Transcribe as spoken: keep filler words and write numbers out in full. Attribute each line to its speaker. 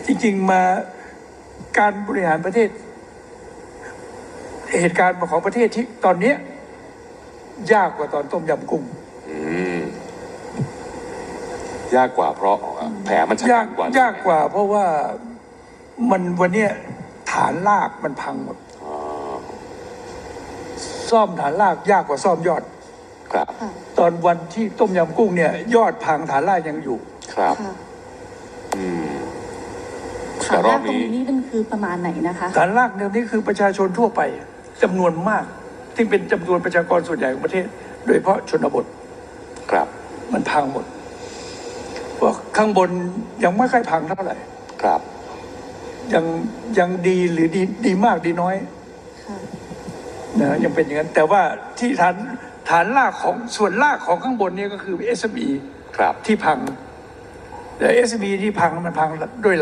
Speaker 1: จริงๆมาการบริหารประเทศเหตุการณ์ของประเทศที่ตอนนี้ยากกว่าตอนต้มยำกุ้ง
Speaker 2: ยากกว่าเพราะแผลมันชะกันกว่าย
Speaker 1: ากกว่าเพราะว่ามันวันนี้ฐานรากมันพังหมดซ่อมฐานรากยากกว่าซ่อมยอด
Speaker 2: ครับ
Speaker 1: ตอนวันที่ต้มยำกุ้งเนี่ยยอดพังฐานรากยังอยู่
Speaker 2: ครับอืม
Speaker 3: ฐานรากตรงนี้นี่มันคือประมาณไหนนะคะ
Speaker 1: ฐานรากเดี๋ยวนี้คือประชาชนทั่วไปจำนวนมากที่เป็นจำนวนประชากรส่วนใหญ่ของประเทศโดยเฉพาะชนบท
Speaker 2: ครับ
Speaker 1: มันพังหมดเพราะข้างบนยังไม่ค่อยพังเท่าไหร่
Speaker 2: ครับ
Speaker 1: ยังยังดีหรือดีดีมากดีน้อยนะยังเป็นอย่างนั้นแต่ว่าที่ฐานฐานรากของส่วนรากของข้างบนนี้ก็คือ เอส เอ็ม อี
Speaker 2: ครับ
Speaker 1: ที่พังแต่ เอส เอ็ม อี ที่พังมันพังด้วย